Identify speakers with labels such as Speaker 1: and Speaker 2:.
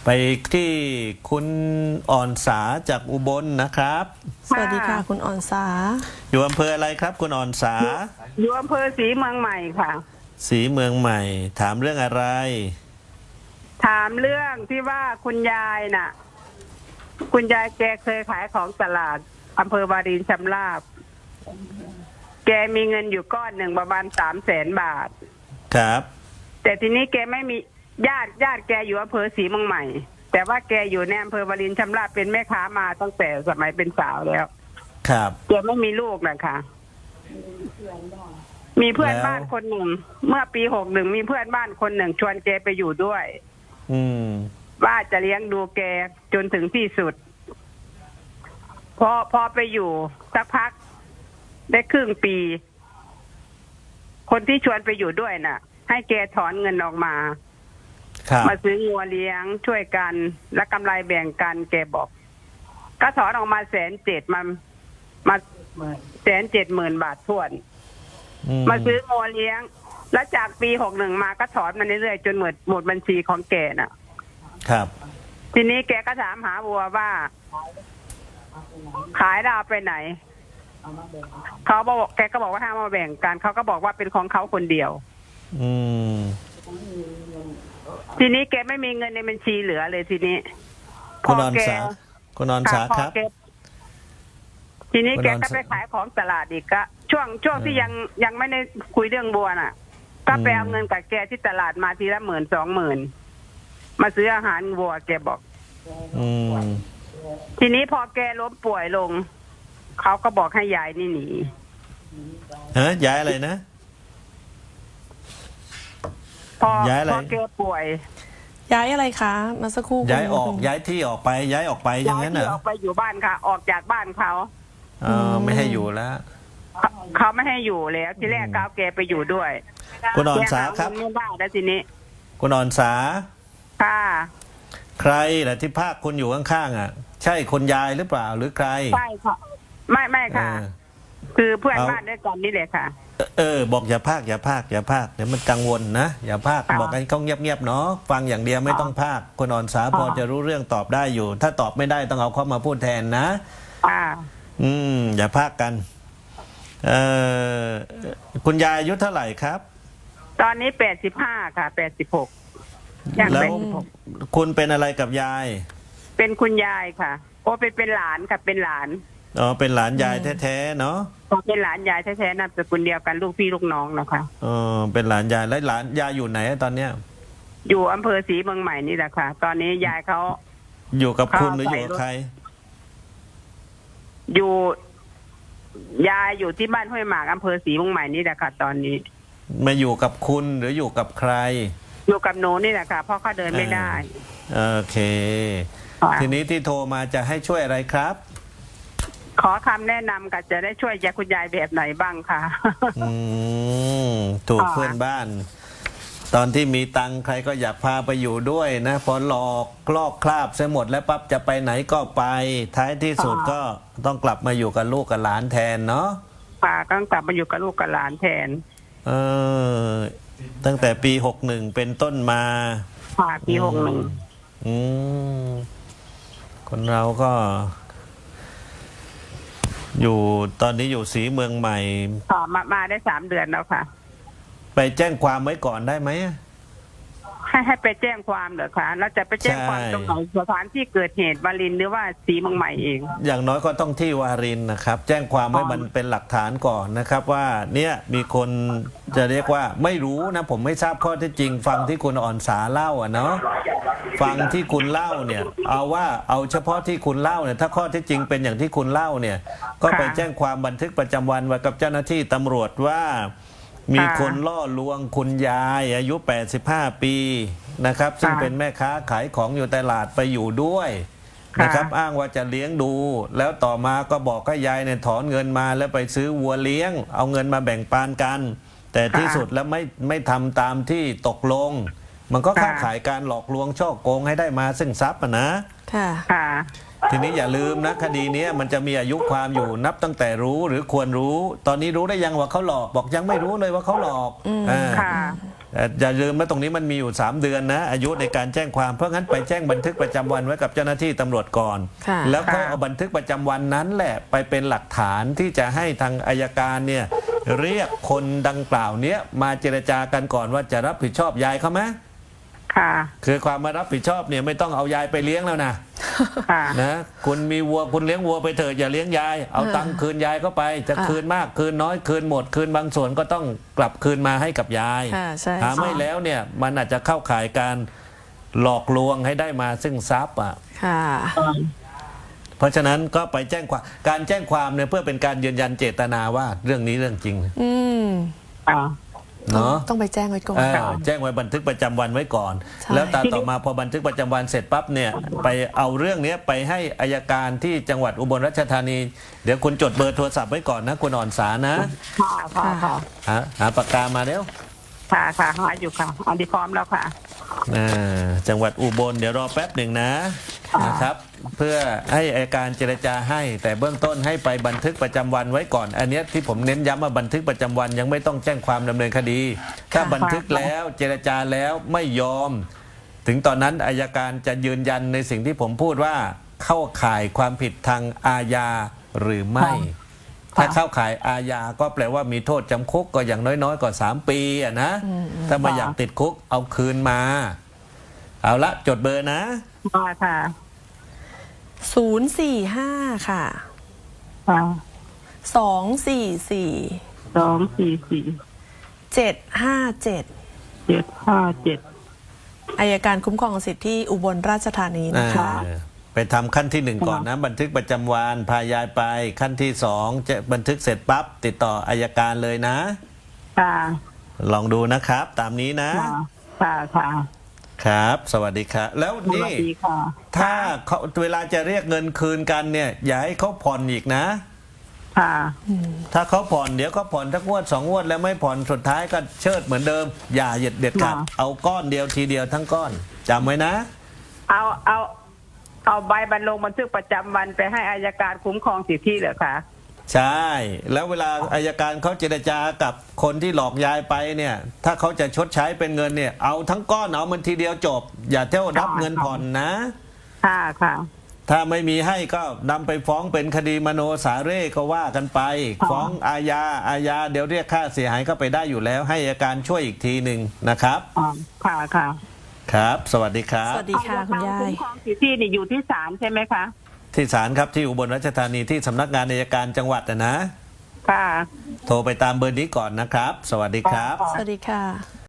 Speaker 1: ไปที่คุณอ่อนสาจากอุบลนะครับ
Speaker 2: สวัสดีค่ะคุณอ่อนสา
Speaker 1: อยู่อำเภออะไรครับคุณอ่อนสา
Speaker 3: อยู่อำเภอศรีเมืองใหม่ค่ะ
Speaker 1: ศรีเมืองใหม่ ถามเรื่องอะไร
Speaker 3: ถามเรื่องที่ว่าคุณยายน่ะ คุณยายแกเคยขายของตลาดอำเภอวารินชำราบ แกมีเงินอยู่ก้อนหนึ่งประมาณ300,000 บาท
Speaker 1: ครับ
Speaker 3: แต่ทีนี้แกไม่มีญาติแกอยู่อำเภอศรีเมืองใหม่ แต่ว่าแกอยู่ในอำเภอวารินชำราบเป็นแม่ค้ามาตั้งแต่สมัยเป็นสาวแล้ว
Speaker 1: ครับ
Speaker 3: แกไม่มีลูกนะคะมีเพื่อนบ้านคนหนึ่ง เมื่อปี61มีเพื่อนบ้านคนหนึ่งชวนแกไปอยู่ด้วย
Speaker 1: อืม
Speaker 3: ว่าจะเลี้ยงดูแกจนถึงที่สุด พอไปอยู่สักพักได้ครึ่งปี คนที่ชวนไปอยู่ด้วยน่ะ ให้แกถอนเงินออกมา
Speaker 1: ครับ
Speaker 3: มาซื้องัวเลี้ยงช่วยกัน และกำไรแบ่งกันแกบอก ก็ถอนออกมา170,000มา170,000 บาททวน มาซื้องัวเลี้ยง แล้วจากปี61มาก็ถอนมาเรื่อยๆจนหมดบัญชีของแกน่ะ
Speaker 1: ครับ
Speaker 3: ทีนี้แกก็ถามหาวัวว่า ขายดาวไปไหนเขาบอกแกก็บอกว่าห้ามมาแบ่งกันเขาก็บอกว่าเป็นของเขาคนเดียว
Speaker 1: อืม
Speaker 3: ทีนี้แกไม่มีเงินในบัญชีเหลือเลยทีนี้
Speaker 1: คุณอ่อนสาคุณอ่อนสา
Speaker 3: พอ
Speaker 1: ครับ
Speaker 3: แกทีนี้
Speaker 1: คุณ
Speaker 3: แก
Speaker 1: อ่อน
Speaker 3: ก็
Speaker 1: สา
Speaker 3: ไปขายของตลาดอีกก็ช่วงที่ยังไม่ได้คุยเรื่องบัวน่ะ ก็ไปเอาเงินกับแกที่ตลาดมาทีละ10,000-20,000มาซื้ออาหารวัวแกบอก
Speaker 1: อืม
Speaker 3: ทีนี้พอแกล้มป่วยลงเขาก็บอกให้ยายนี่หนี
Speaker 1: ย้ายอะไรนะ
Speaker 3: พอ
Speaker 1: ย้ายอะไร
Speaker 3: พอแกป่วย
Speaker 2: ย้ายอะไรคะมาสักครู่
Speaker 1: ย้ายออก
Speaker 2: คุณ
Speaker 1: ย้ายที่ออกไปย้ายออกไปอย่างนั้นเหร
Speaker 3: ที่
Speaker 1: อ
Speaker 3: ออกไปอยู่บ้านค่ะ ออกจากบ้านเขา
Speaker 1: ไม่ให้อยู่แล้ว
Speaker 3: เขาไม่ให้อยู่แล้วที่แรกเขาเอาแกไปอยู่ด้วย
Speaker 1: คุณอ่อนสาครับ
Speaker 3: แกหเงินไม่ได้แล้วทีนี้
Speaker 1: คุณอ่อนสา
Speaker 3: ค่ะ
Speaker 1: ใครล่ะที่ภาคคุณอยู่ข้างๆอ่ะ ใช่คนยายหรือเปล่าหรือใคร
Speaker 3: ใช่ค่ะไม่ค่ะ
Speaker 1: เออ
Speaker 3: คือเพื่อน
Speaker 1: เอา
Speaker 3: บ้านด้วยกันนี่แหละค่ะ
Speaker 1: บอกอย่าพากอย่าพากอย่าพากเดี๋ยวมันกังวลนะอย่าพาก
Speaker 3: ค่ะ
Speaker 1: บอกให้เขาเงียบๆเนาะฟังอย่างเดียวไม่ต้องพากคุณอ่อนสาพอจะรู้เรื่องตอบได้อยู่ ถ้าตอบไม่ได้ต้องเอาเขามาพูดแทนนะ
Speaker 3: อ่า
Speaker 1: อย่าพากกันเอ่อคุณยายอายุเท่าไหร่ครับ
Speaker 3: ตอนนี้85ค่ะ86ย่าง
Speaker 1: แล้วคุณเป็นอะไรกับยาย
Speaker 3: เป็นคุณยายค่ะ โอ้เป็นหลานค่ะเป็นหลาน
Speaker 1: อ๋อเป็นหลานยายแท้ๆเนาะ
Speaker 3: เป็นหลานยายแท้ๆนามสกุลเดียวกันลูกพี่ลูกน้องนะคะ
Speaker 1: เป็นหลานยายแล้วหลานยายอยู่ไหนตอนเนี้ย
Speaker 3: อยู่อำเภอศรีเมืองใหม่นี่แหละค่ะ ตอนนี้ยายเขา
Speaker 1: อยู่กับคุณ
Speaker 3: เขา
Speaker 1: หรืออยู่กับใคร
Speaker 3: อยู่ยายอยู่ที่บ้านห้วยหมากอำเภอศรีเมืองใหม่นี่แหละค่ะ ตอนนี้
Speaker 1: มาอยู่กับคุณหรืออยู่กับใคร
Speaker 3: อยู่กับหนูนี่แหละค่ะเพราะเขาเดินไม่ได้
Speaker 1: โอเค
Speaker 3: ค่ะ
Speaker 1: ทีนี้ที่โทรมาจะให้ช่วยอะไรครับ
Speaker 3: ขอคำแนะนำกับจะได้ช่วยยายคุณยายแบบไหนบ้างค่ะ
Speaker 1: ถูก
Speaker 3: ค่ะ
Speaker 1: เพื่อนบ้าน ตอนที่มีตังค์ใครก็อยากพาไปอยู่ด้วยนะ พอหลอกลอกคราบเสียหมดแล้วปั๊บจะไปไหนก็ไป ท้ายที่สุดก็ต้องกลับมาอยู่กับลูกกับหลานแทนเนาะ
Speaker 3: ป้าก็ต้องกลับมาอยู่กับลูกกับหลานแทน
Speaker 1: เออตั้งแต่ปี61เป็นต้นมา
Speaker 3: ป้าปี61
Speaker 1: อืมคนเราก็ อยู่ตอนนี้อยู่ศรีเมืองใหม่
Speaker 3: ค่ะมาได้3 เดือนแล้วค่ะ
Speaker 1: ไปแจ้งความไว้ก่อนได้ไหม
Speaker 3: ให้ไปแจ้งความเหรอคะแล้วจะไปแจ้งความ
Speaker 1: ใช่
Speaker 3: ตรงไหนสถานที่เกิดเหตุวารินหรือว่าศรีเมืองใหม่เอง
Speaker 1: อย่างน้อยก็ต้องที่วารินนะครับ แจ้งความไว้มันเป็นหลักฐานก่อนนะครับ ว่าเนี่ยมีคนจะเรียกว่าไม่รู้นะ ผมไม่ทราบข้อเท็จจริง ฟังที่คุณอ่อนสาเล่าเนาะฟังที่คุณเล่าเนี่ย เอาเฉพาะที่คุณเล่าเนี่ยถ้าข้อเท็จจริงเป็นอย่างที่คุณเล่าเนี่ย ก็ไปแจ้งความบันทึกประจำวันไว้กับเจ้าหน้าที่ตำรวจว่า มีคนล่อลวงคุณยายอายุ85 ปีนะครับซึ่งเป็นแม่ค้าขายของอยู่ตลาดไปอยู่ด้วยนะครับอ้างว่าจะเลี้ยงดู แล้วต่อมาก็บอกให้ยายเนี่ยถอนเงินมาแล้วไปซื้อวัวเลี้ยง เอาเงินมาแบ่งปันกัน แต่ที่สุดแล้วไม่ทำตามที่ตกลง มันก็เข้าข่ายการหลอกลวงช่อโกงให้ได้มาซึ่งทรัพย์นะ
Speaker 2: ค่ะ
Speaker 3: ค่ะ
Speaker 1: ทีนี้อย่าลืมนะคดีนี้มันจะมีอายุความอยู่นับตั้งแต่รู้หรือควรรู้ ตอนนี้รู้ได้ยังว่าเขาหลอกบอกยังไม่รู้เลยว่าเขาหลอก
Speaker 3: ค่ะ
Speaker 1: อย่าลืมว่าตรงนี้มันมีอยู่ 3 เดือนนะอายุในการแจ้งความเพราะงั้นไปแจ้งบันทึกประจำวันไว้กับเจ้าหน้าที่ตำรวจก่อน
Speaker 2: ค่ะ
Speaker 1: แล้วก็เอาบันทึกประจำวันนั้นแหละไปเป็นหลักฐานที่จะให้ทางอัยการเนี่ยเรียกคนดังกล่าวเนี้ยมาเจรจากันก่อนว่าจะรับผิดชอบยายเขาไหม
Speaker 3: ค่ะ
Speaker 1: คือความมารับผิดชอบเนี่ยไม่ต้องเอายายไปเลี้ยงแล้วนะ
Speaker 3: ค่ะ
Speaker 1: นะคุณมีวัวคุณเลี้ยงวัวไปเถิดอย่าเลี้ยงยายเอาตังค์คืนยายเข้าไปจะ
Speaker 2: ค่ะ
Speaker 1: คืนมากคืนน้อยคืนหมดคืนบางส่วนก็ต้องกลับคืนมาให้กับยาย
Speaker 2: ค่ะใช่
Speaker 1: ไม่แล้วเนี่ยมันอาจจะเข้าข่ายการหลอกลวงให้ได้มาซึ่งทรัพย์อ่ะ
Speaker 2: ค่ะ
Speaker 1: เพราะฉะนั้นก็ไปแจ้งความการแจ้งความเนี่ยเพื่อเป็นการยืนยันเจตนาว่าเรื่องนี้เรื่องจริง
Speaker 2: อืม
Speaker 3: อ่า
Speaker 1: เนาะ
Speaker 2: ต้องไปแจ้งไว้ก่อน
Speaker 1: แจ้งไว้บันทึกประจำวันไว้ก่อน
Speaker 2: ใช่
Speaker 1: แล้วต่อมาพอบันทึกประจำวันเสร็จปั๊บเนี่ยไปเอาเรื่องนี้ไปให้อัยการที่จังหวัดอุบลราชธานี เดี๋ยวคุณจดเบอร์โทรศัพท์ไว้ก่อนนะคุณอ่อนสานะ
Speaker 3: ค่ะค่ะค่ะ
Speaker 1: หาปากกามาเร็ว
Speaker 3: ค่ะค่ะหาอยู่ค่ะอันนี้พร้อมแล้วค่ะ
Speaker 1: จังหวัดอุบลเดี๋ยวรอแป๊บหนึ่งนะ
Speaker 3: ค่ะ
Speaker 1: นะครับ เพื่อให้อัยการเจรจาให้ แต่เบื้องต้นให้ไปบันทึกประจำวันไว้ก่อน อันเนี้ยที่ผมเน้นย้ำว่าบันทึกประจำวันยังไม่ต้องแจ้งความดำเนินคดี ถ้าบันทึกแล้วเจรจาแล้วไม่ยอม ถึงตอนนั้นอัยการจะยืนยันในสิ่งที่ผมพูดว่าเข้าข่ายความผิดทางอาญาหรือไม่ ถ้าเข้าข่ายอาญาก็แปลว่ามีโทษจำคุกก็อย่างน้อยๆก็3 ปีอะนะ ถ้าไม่อยากติดคุกเอาคืนมา เอาละจดเบอร์นะ
Speaker 3: ค่ะ
Speaker 2: 045 ค่ะ
Speaker 3: ค่ะ
Speaker 2: 244
Speaker 3: 244
Speaker 2: 757
Speaker 3: 757
Speaker 2: อัยการคุ้มครองสิทธิที่อุบลราชธานีนะคะ
Speaker 1: ไปทำขั้นที่ 1 ก่อนนะ บันทึกประจำวันพายายไปขั้นที่ 2 จะบันทึกเสร็จปั๊บติดต่ออัยการเลยนะ
Speaker 3: ค่ะ
Speaker 1: ลองดูนะครับ ตามนี้นะ
Speaker 3: ค่ะค่ะ
Speaker 1: ครับ สวัสดีครับ แล้ว
Speaker 3: สวั
Speaker 1: นี่
Speaker 3: สดีค่ะ
Speaker 1: ถ้าเขาเวลาจะเรียกเงินคืนกันเนี่ย อย่าให้เขาผ่อนอีกนะ
Speaker 3: ค่ะ
Speaker 1: ถ้าเขาผ่อนเดี๋ยวเขาผ่อนทักงวด2 งวดแล้วไม่ผ่อนสุดท้ายก็เชิดเหมือนเดิม อย่าเด็ดขาด
Speaker 3: ค่ะ
Speaker 1: เอาก้อนเดียวทีเดียวทั้งก้อนจำไว้นะ
Speaker 3: เอาใบลงบันทึกประจำวันไปให้อัยการคุ้มครองสิทธิเหรอคะ
Speaker 1: ใช่ แล้วเวลาอัยการเขาเจรจากับคนที่หลอกยายไปเนี่ย ถ้าเขาจะชดใช้เป็นเงินเนี่ยเอาทั้งก้อนเอามันทีเดียวจบ อย่าเที่ยวรับเงินผ่อนนะ
Speaker 3: ค่ะค่ะ
Speaker 1: ถ้าไม่มีให้ก็นำไปฟ้องเป็นคดีมโนสาเร่ก็ว่ากันไป
Speaker 3: ค่ะ
Speaker 1: ฟ้องอาญาเดี๋ยวเรียกค่าเสียหายก็ไปได้อยู่แล้ว ให้อัยการช่วยอีกทีหนึ่งนะครับ
Speaker 3: อ๋อค่ะค่ะ
Speaker 1: ครับ สวัสดีครับ
Speaker 2: สวัสดีค่ะคุณยาย
Speaker 3: คุ้มครองสิทธินี่อยู่ที่ศาลใช่ไหมคะ
Speaker 1: ที่ศาลครับที่อุบลราชธานีที่สำนักงานอัยการจังหวัดนะ
Speaker 3: ค่ะ
Speaker 1: โทรไปตามเบอร์นี้ก่อนนะครับ สวัสดีครับ
Speaker 2: สวัสดีค่ะ